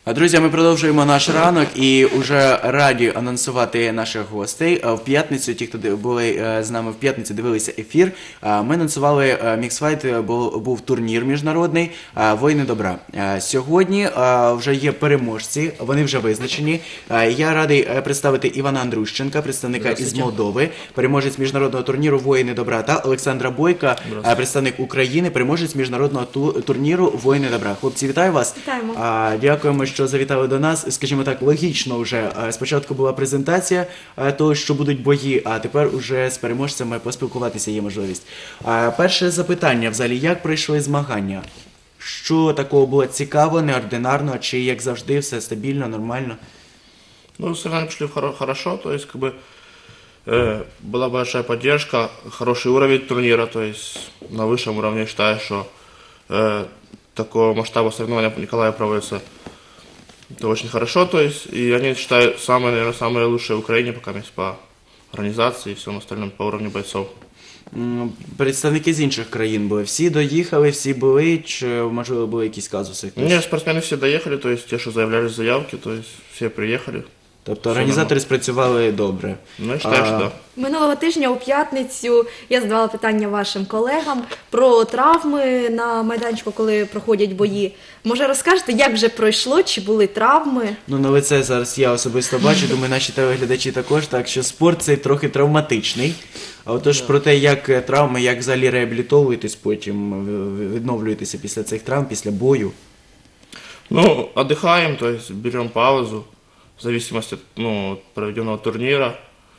Друзі, ми продовжуємо наш ранок і вже раді анонсувати наших гостей. В п'ятницю, ті, хто були з нами в п'ятницю, дивилися ефір, ми анонсували Міксфайт, був турнір міжнародний «Воїни добра». Сьогодні вже є переможці, вони вже визначені. Я радий представити Івана Андрущенка, представника із Молдови, переможець міжнародного турніру «Воїни добра», та Олександра Бойка, представник України, переможець міжнародного турніру «Воїни добра». Хлопці, вітаю вас. Вітаємо. Дякуємо, що завітали до нас. Скажімо так, логічно вже. Спочатку була презентація того, що будуть бої, а тепер уже з переможцями поспілкуватися є можливість. Перше запитання, взагалі, як пройшли змагання? Що такого було цікаво, неординарно, чи як завжди все стабільно, нормально? Ну, соревнования пошли хорошо, то есть, была большая поддержка, хороший уровень турнира, то есть, на высшем уровне, я считаю, что такого масштаба соревнования в Николаеве проводится, это очень хорошо, то есть, и они, считаю, наверное, самые лучшие в Украине, пока есть по организации и всем остальном, по уровню бойцов. Представники з інших країн були? Всі доїхали, всі були, чи, можливо, були якісь казуси? Нет, спортсмены все доехали, то есть, те, что заявляли заявки, то есть, все приехали. Тобто організатори спрацювали добре. Ну, я считаю, что да. Минулого тижня у п'ятницю я задавала питання вашим колегам про травми на майданчику, коли проходять бої. Може розкажете, як вже пройшло, чи були травми? Ну, на лице зараз я особисто бачу, думаю, наші телеглядачі також, так що спорт цей трохи травматичний. А отож про те, як травми, як взагалі реабілітовуєтесь потім, відновлюєтеся після цих травм, після бою? Ну, отдыхаем, то есть, берем паузу. В зависимости от проведенного турнира,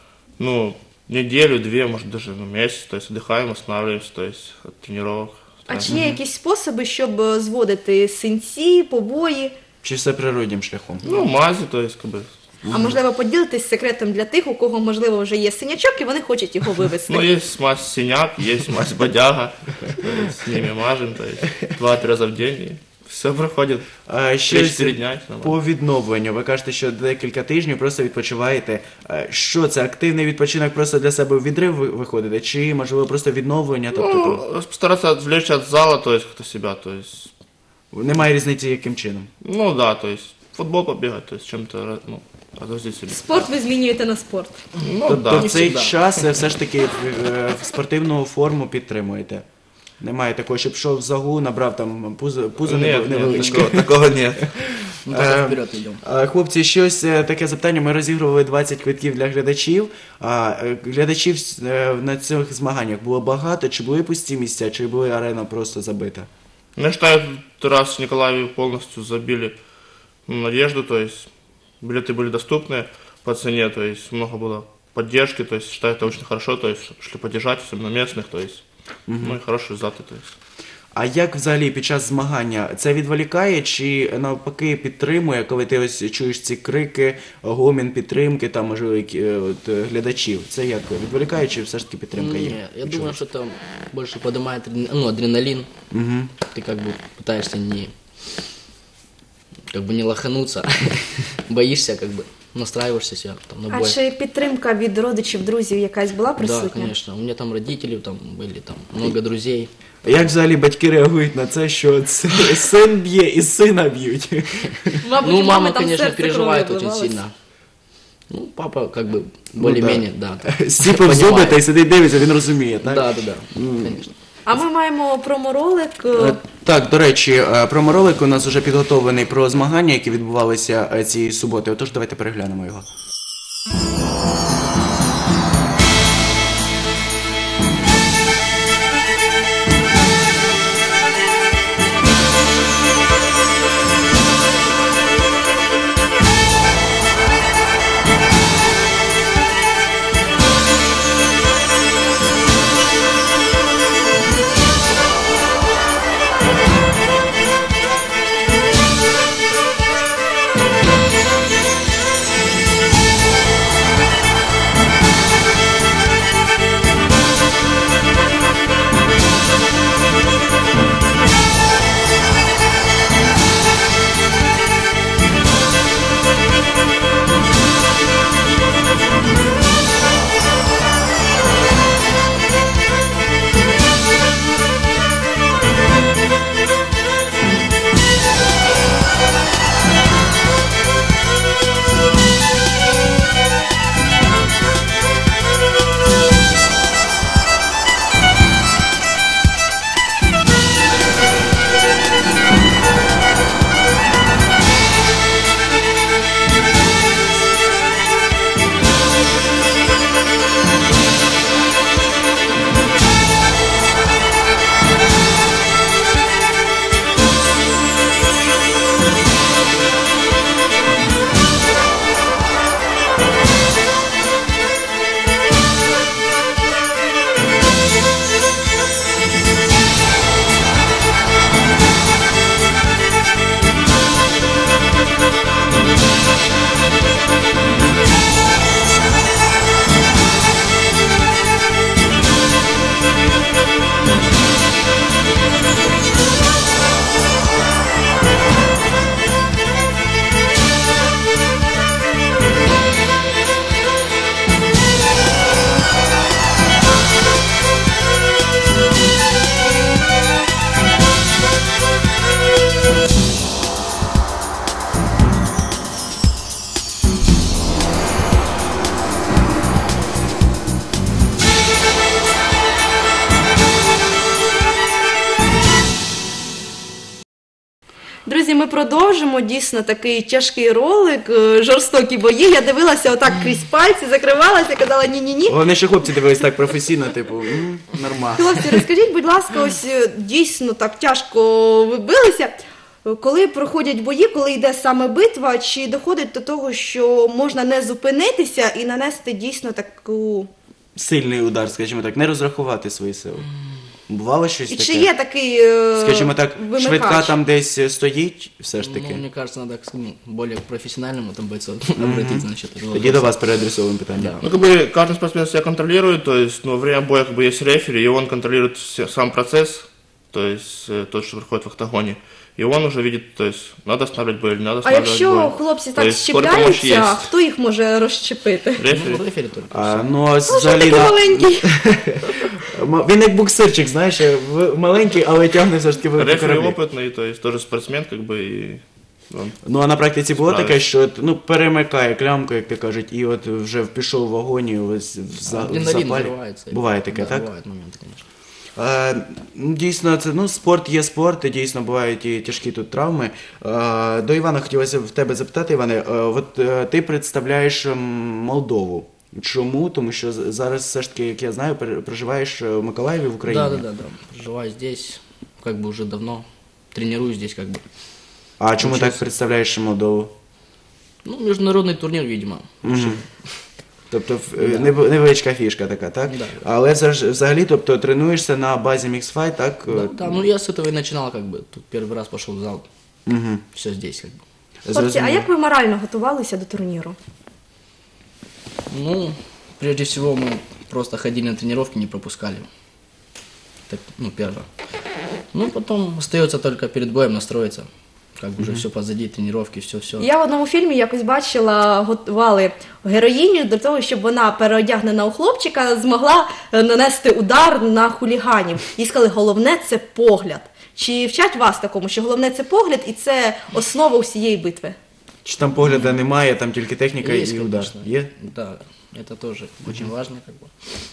неделю, две, может даже месяц, то есть отдыхаем, восстанавливаемся, то есть от тренировок. А чи є якісь способи, щоб зводити синці, побої? Чи все природнім шляхом? Ну, мази, то есть А можливо поділитись секретом для тих, у кого можливо вже є синячок і вони хочуть його вивести? Ну, есть мазь синяк, есть мазь бодяга, то есть с ними мажем, то есть 2-3 раза в день. И все проходить 3-4 дня. По відновленню. Ви кажете, що декілька тижнів просто відпочиваєте. Що це, активний відпочинок просто для себе в відрив виходите? Чи, можливо, просто відновлення? Ну, стараться отвлечься от зала, то есть как-то себя, то есть... Немає різниці, яким чином? Ну да, то есть футбол побегать, то есть чем-то, отгрузить себе. Спорт ви змінюєте на спорт. Ну Тобто да. в цей час все ж таки спортивну форму підтримуєте? Немає такого, щоб йшов в загу, набрав там пузо невеличке. Такого нет. Вперед йдемо. Хлопці, щось таке запитання. Ми розігрували 20 квитків для глядачів. Глядачів на цих змаганнях було багато? Чи були пусті місця, чи була арена просто забита? Ну, я считаю, этот раз в Николаеве полностью забили Надежду, то есть билеты были доступны по цене, то есть много было поддержки, то есть считаю, это очень хорошо, то есть шли поддержать, особенно местных, то есть, ну и хорошие результаты, то есть. А як взагалі під час змагання це відволікає чи навпаки підтримує, коли ти ось чуєш ці крики, гомін підтримки, там, можливо, глядачів? Це як відволікає чи все ж таки підтримка є? Я думаю, что это больше поднимает адреналин. Ты как бы пытаешься не лохануться, боишься, как бы настраиваешься себя там, на А бой. чи підтримка від родичів, друзів якась була Да, присутня? конечно. У меня там родители там были, там много друзей. Як взагалі батьки реагують на це, що син б'є і сина б'ють? Мабуть, Ну, у мами мама, там конечно, серце переживает кров'ю очень обливалось. сильно. Ну, папа как бы более-менее, да. Сіпив зуби та й сидить дивиться, він розуміє, так? Да, конечно. А ми маємо проморолик. Так, до речі, проморолик у нас вже підготовлений про змагання, які відбувалися цієї суботи. Отож, давайте переглянемо його. друзі, ми продовжимо. Дійсно, такий тяжкий ролик, жорстокі бої. Я дивилася отак крізь пальці, закривалася, казала ні-ні-ні. Головне, що хлопці дивились так професійно, типу, нормально. Хлопці, розкажіть, будь ласка, ось дійсно так тяжко ви билися. Коли проходять бої, коли йде саме битва, чи доходить до того, що можна не зупинитися і нанести дійсно таку... Сильний удар, скажімо так, не розрахувати свої сили. Бувало щось І таке? чи є такий Скажімо так, вимикач? швидка там десь стоїть, все ж таки. Ну, мне кажется, надо к более к профессиональному там бойцу обратиться насчет этого Тоді до вас переадресовуємо питання. Ну, как бы каждый спортсмен себя контролирует, то есть, ну, во время боя как бы есть рефери, и он контролирует сам процесс, то есть, тот, что происходит в октагоне. И он уже видит, то есть, надо останавливать бой или не надо А останавливать якщо бой. хлопці То так есть, скорая помощь щепляються, есть. хто їх може розщепити? Рефери. Ну, рефери только. Ну, а Ну, що взагалі, такий маленький? він як буксирчик, знаєш, маленький, але тягне все ж таки великі Рефери кораблі. опытный, то есть, тоже спортсмен, как бы, и он Ну, а на практиці було Справді. таке, що перемикає клямку, як ти кажуть, і от вже пішов в вагоні, ось в Адреналин запалі. взрывается. Буває таке, Да, так? бывают моменты, конечно. Дійсно, це спорт є спорт, і дійсно бувають і тяжкі тут травми. До Івана хотілося в тебе запитати, Іване, от ти представляєш Молдову. Чому? Тому що зараз все ж таки, як я знаю, проживаєш в Миколаєві в Україні. Да. Проживаю здесь, как бы уже давно. Тренируюсь здесь, как бы. А чому так Учусь. представляєш Молдову? Ну, международный турнир, видимо. Тобто невеличка фішка така, так? Да. Але взагалі, тобто тренуєшся на базі Mixfight, так? Да, ну я с этого и начинал, как бы. Тут первый раз пошел в зал. Угу. Все здесь, как бы. Хлопці, а як ви морально готувалися до турніру? Ну, прежде всего мы просто ходили на тренировки, не пропускали. Так, ну, первое. Ну, потом остается только перед боем настроиться. Как бы уже все позади, тренировки, все-все. Я в одному фільмі якось бачила, готували героїню до того, щоб вона, переодягнена у хлопчика, змогла нанести удар на хуліганів. Їй сказали, головне – це погляд. Чи вчать вас такому, що головне – це погляд і це основа усієї битви? Чи там погляду немає, там тільки техніка Есть, і удар? конечно. Є? Да, это тоже очень важно, как бы.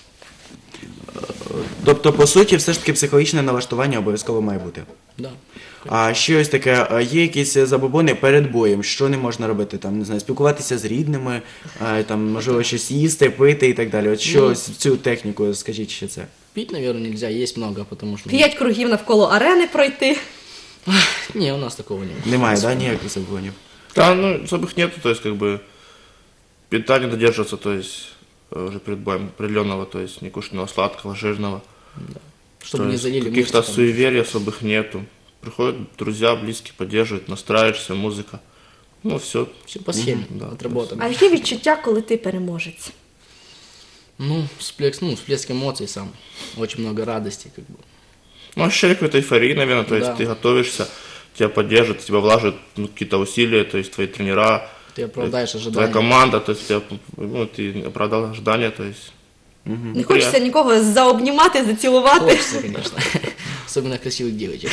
Тобто, по суті, все ж таки психологічне налаштування обов'язково має бути. Да. А ще ось таке, є якісь забобони перед боєм, що не можна робити? Там, не знаю, спілкуватися з рідними, там, можливо, щось їсти, пити і так далі. От що ось цю техніку, скажіть ще це. Пить, наверное, нельзя, есть много, потому что... 5 кругів навколо арени пройти. Не, у нас такого нет. Немає, да, ніяких забобонів? Да, ну, особых нету, то есть, как бы, питание додерживаться, то есть, уже перед боем определенного, то есть, некушенного, сладкого, жирного. Чтобы То не есть, залили каких-то мышцы, там. суеверий особых нету. Приходят друзья, близкие, поддерживают, настраиваешься, музыка. Ну, все. Все по схеме, да, отработано. А які відчуття, коли ти переможець? Ну, всплеск эмоций сам. Очень много радости, как бы. Ну, ощущение какой-то эйфории, наверное, то есть, Да. ты готовишься, тебя поддерживают, тебя влаживают ну, какие-то усилия, то есть, твои тренера, Ты оправдаешь твоя ожидания. команда, то есть, тебя, ну, ты оправдал ожидания, то есть. Не хочеться нікого заобнімати, зацілувати? Хочется, конечно. Особенно красивых девочек.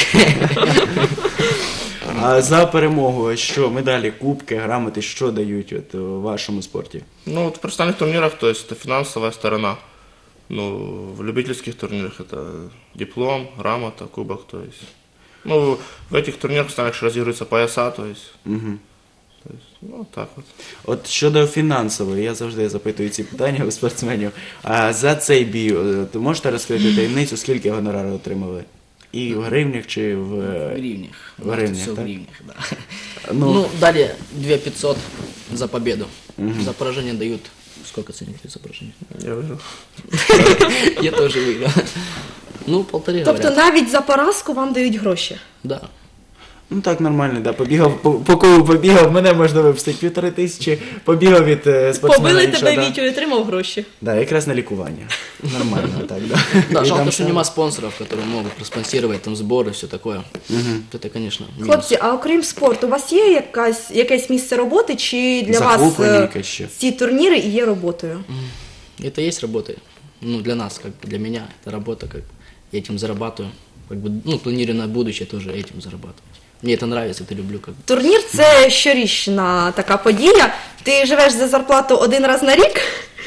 А за перемогу, що медалі, кубки, грамоти, що дають от, у вашому спорті? Ну, вот в профессиональных турнирах, то есть, это финансовая сторона. Ну, в любительских турнирах это диплом, грамота, кубок, то есть. Ну, в этих турнирах станешь разыгрываются пояса, то есть. То есть, ну, так вот. От щодо фінансової, я завжди запитую ці питання у спортсменів. А за цей бій, ти можете розкрити таємницю, скільки гонорару отримали? І в гривнях чи в... В гривнях. В гривнях, Все в так? гривнях, да. Ну, Ну, дали 2500 за победу. За поражение дают... Сколько ценник за поражение? Я выиграл. Я тоже выиграл. Ну, 1,5 Тобто говорят. навіть за поразку вам дають гроші? Да. ну так, нормально, да. Побігав, по колу побігав, мене можна випустити 1500, побігав від спортсмена Побили іншого, тебе да. Вітю і отримав гроші. Да, якраз на лікування. Нормально, так, да. Да, І жалко, там что все- нема спонсоров, которые могут проспонсировать там сборы, все такое. Вот это, конечно, минус. Хлопці, а окрім спорту, у вас є якесь місце роботи, чи для вас Захоплення якесь ще? ці турніри і є роботою? Это есть работа. Ну, для нас, как бы, для меня, это работа, как я этим зарабатываю. Как бы, ну, планирую на будущее тоже этим зарабатывать. Мне это нравится, это люблю, как бы. Турнір – це щорічна така подія. Ти живеш за зарплату один раз на рік,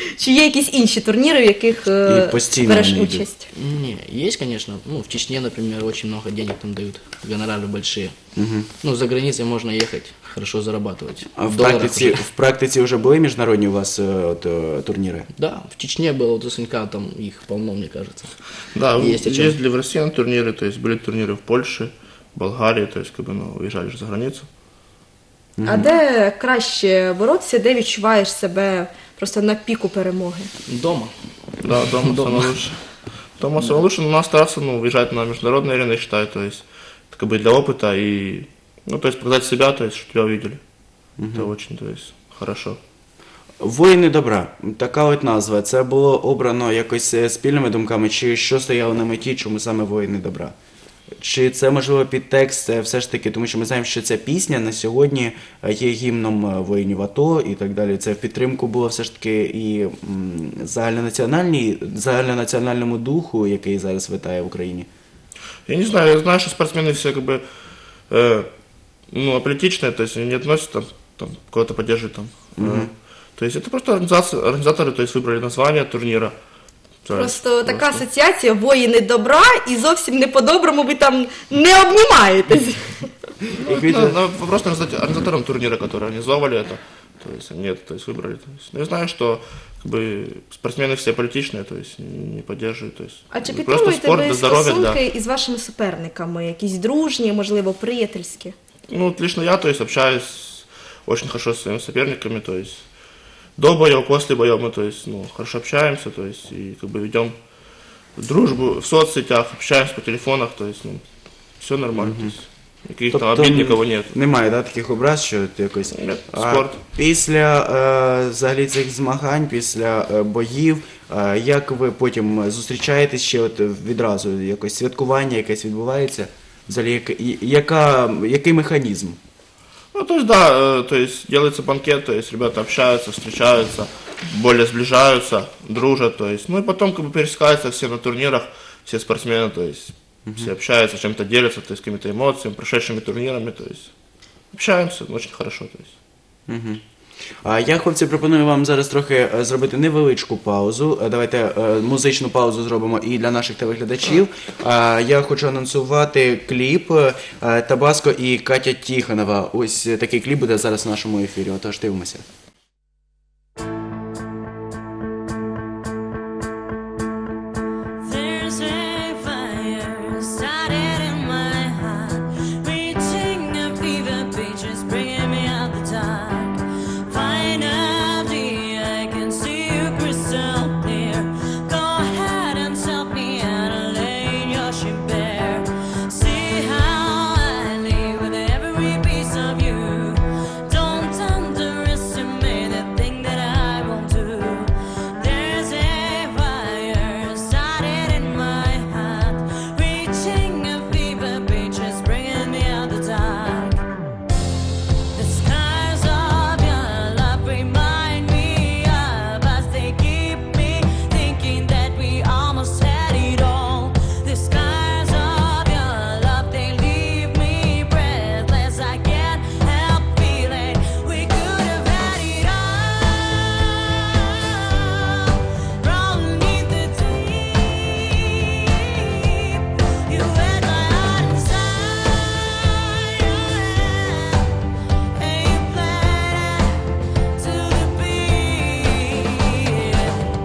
Чи є якісь інші турніри, в яких І постійно береш вони йдуть. участь? Не, есть, конечно. Ну, в Чечне, например, очень много денег там дают, гонорары большие. Ну, за границей можно ехать, хорошо зарабатывать. А в долларах практиці, уже. в практиці вже були міжнародні у вас турніри? Да, в Чечне было вот у Санька, там их полно, мне кажется. Да, Есть о чем. ездили в Россию на турниры, то есть были турниры в Польше, Болгарии, то есть как бы, ну, уезжали же за границу. А де краще боротися, де відчуваєш себе просто на піку перемоги? Дома. Да, дома самое лучшее. Дома самое лучшее, но надо стараться, ну, выезжать на международные арены, я считаю, то есть это как бы для опыта и, ну, то есть показать себя, то есть, чтобы тебя увидели. Это очень, то есть, хорошо. Воїни добра. Така от назва. Це було обрано якось спільними думками, чи що стояло на меті, чому саме воїни добра? Чи це, можливо, підтекст все ж таки, тому що ми знаємо, що ця пісня на сьогодні є гімном воїнів АТО і так далі. Це в підтримку було все ж таки і загальнонаціональному духу, який зараз витає в Україні. Я не знаю, я знаю, что спортсмены все как бы, ну, аполитичные, то есть они не относятся там кого-то поддерживать там. То есть это просто организаторы, то есть выбрали название турнира. То есть Просто така асоціація воїни добра і зовсім не по-доброму ви там не обнімаєтесь. Вопрос организаторам турнира, которые организовывали это. То есть они это, то есть, выбрали. То есть, ну, я знаю, что как бы, спортсмены все политичные, то есть не поддерживают. То есть, А чи просто підтримуєте спорт ви для здоровья, стосунки да. із вашими суперниками? Якісь дружні, можливо, приятельські? Ну, вот лично я, то есть, общаюсь очень хорошо со своими соперниками, то есть, до боев, после боев мы, то есть, ну, хорошо общаемся, то есть, и как бы ведем дружбу в соцсетях, общаемся по телефонах, то есть, ну, все нормально, то есть, никаких там обид никого нет. Немає, да, таких образ, що от якось. Нет, спорт. Після взагалі цих змагань, після боїв, як ви потім зустрічаєтесь ще от відразу, якось святкування якесь відбувається? Взагалі, який механізм? Ну, то есть, да, то есть, делается банкет, то есть, ребята общаются, встречаются, более сближаются, дружат, то есть, ну, и потом, как бы, пересекаются все на турнирах, все спортсмены, то есть, все общаются, чем-то делятся, то есть, какими-то эмоциями, прошедшими турнирами, то есть, общаемся, очень хорошо, то есть. Я, хлопці, пропоную вам зараз трохи зробити невеличку паузу. Давайте музичну паузу зробимо і для наших телеглядачів. Я хочу анонсувати кліп Табаско і Катя Тихонова. Ось такий кліп буде зараз в нашому ефірі. Отож, дивимося. There's a fire started in my heart, reaching a fever pitch, it's bringing me out the dark. Finally, I can see you crystal clear. Go ahead and tell me how to lay your ship bare. See how I live with every piece of you. Don't underestimate the thing that I won't do. There's a fire started in my heart, reaching a fever pitch, it's bringing me out the dark. The scars of your love remind me of us, they keep me thinking that we almost had it all. The scars of your love, they leave me breathless, I can't help feeling we could have had it all. Rolling in the deep, you had my heart inside, and you played it to the beat.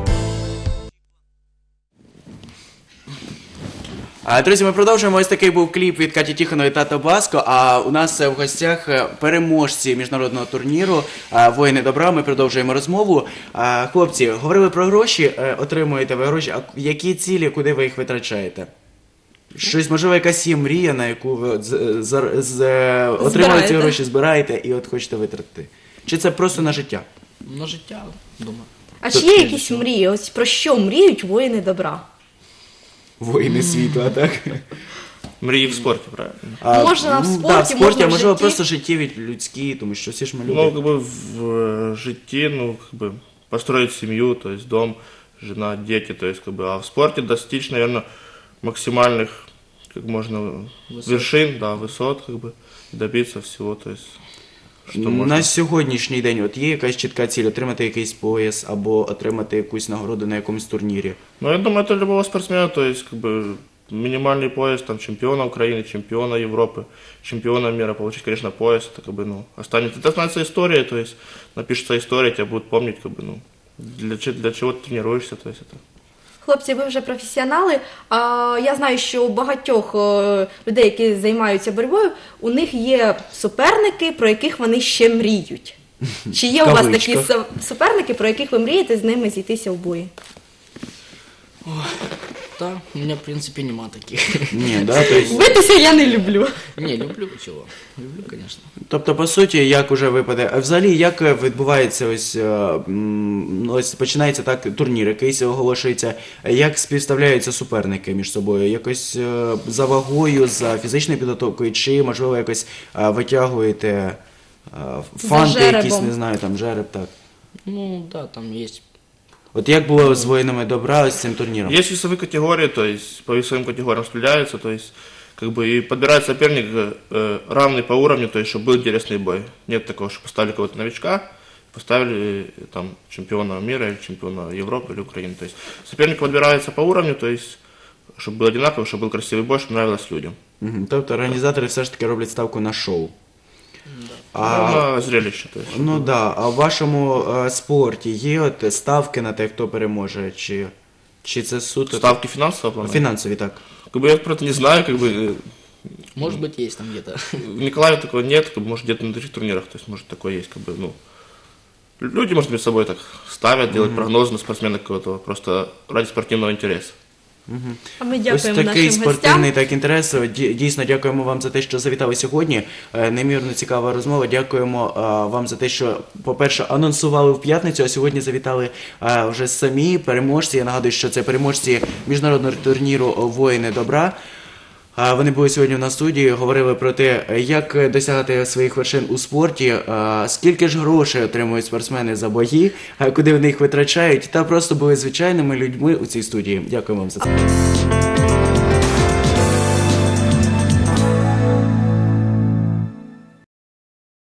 Друзі, ми продовжуємо. Ось такий був кліп від Каті Тихонової та Табаско. А у нас в гостях переможці міжнародного турніру «Воїни добра». Ми продовжуємо розмову. Хлопці, говорили про гроші, отримуєте ви гроші. А які цілі, куди ви їх витрачаєте? Щось, можливо, якась є мрія, на яку ви отримали ці Збираєте. гроші, збираєте і от хочете витратити? Чи це просто на життя? На життя, думаю. А чи є якісь мрії? Ось про що мріють воїни добра? Воїни світла, так? Мрії в спорте, правильно? Можна в да, спорті, в спорті, можна а в можливо житті. просто життєві, людські, тому що всі ж ми люди. Ну, как бы в житті, ну, как бы построить семью, то есть дом, жена, дети, то есть как бы, а в спорте достичь, наверное, максимальных, как можно, Высот. вершин, да, высот, как бы, добиться всего, то есть, что можно. На сьогоднішній день от є якась чітка ціль отримати якийсь пояс або отримати якусь нагороду на якомусь турнірі? Ну, я думаю, это любого спортсмена, то есть, как бы, минимальный пояс, там, чемпиона Украины, чемпиона Европы, чемпиона мира, получить, конечно, пояс, это, как бы, ну, останется, это останется историей, то есть, напишется история, тебя будут помнить, как бы, ну, для чего ты тренируешься, то есть, это. Хлопці, ви вже професіонали. Я знаю, що у багатьох людей, які займаються боротьбою, у них є суперники, про яких вони ще мріють. Чи є у вас такі Кавичках. суперники, про яких ви мрієте з ними зійтися в бої? Да, у меня, в принципе, нема таких. Ні, да? Битися я не люблю. Не, люблю чего. Люблю, конечно. Тобто, по суті, як уже випаде. А взагалі, як відбувається ось починається так турнір, якийсь оголошується, як співставляються суперники між собою? Якось за вагою, за фізичною підготовкою, чи, можливо, якось витягуєте фанти якісь, жеребом. не знаю, там жереб, так. Ну, да, там есть. От як було з воїнами добра ось цим турніром? Есть весовые категории, то есть, по весовым категориям распределяются, то есть, как бы, и подбирает соперник равный по уровню, то есть, чтобы был интересный бой. Нет такого, что поставили кого-то новичка, поставили там чемпиона мира или чемпиона Европы или Украины. То есть, соперник подбирается по уровню, то есть, чтобы был одинаковый, чтобы был красивый бой, чтобы нравилось людям. Мгм. Тобто організатори все ж таки роблять ставку на шоу. Ну, на зрелище, то есть. Ну да, а в вашому спорті є от ставки на те, хто переможе, чи це суто Ставки финансового плана? фінансові, так? Как бы я про это не знаю, как бы Может быть, есть там где-то. в Николаеве такого нет, как бы, может где-то на других турнирах, то есть может такое есть, как бы, ну. Люди, может, между собой так ставят, делают прогнозы на спортсмена какого-то, просто ради спортивного интереса. А ми Ось дякуємо такий нашим спортивний гостям. так інтерес. Дійсно, дякуємо вам за те, що завітали сьогодні. Неймовірно цікава розмова. Дякуємо вам за те, що, по-перше, анонсували в п'ятницю, а сьогодні завітали вже самі переможці. Я нагадую, що це переможці міжнародного турніру «Воїни добра». Вони були сьогодні на студії, говорили про те, як досягати своїх вершин у спорті, скільки ж грошей отримують спортсмени за бої, куди вони їх витрачають, та просто були звичайними людьми у цій студії. Дякую вам за це.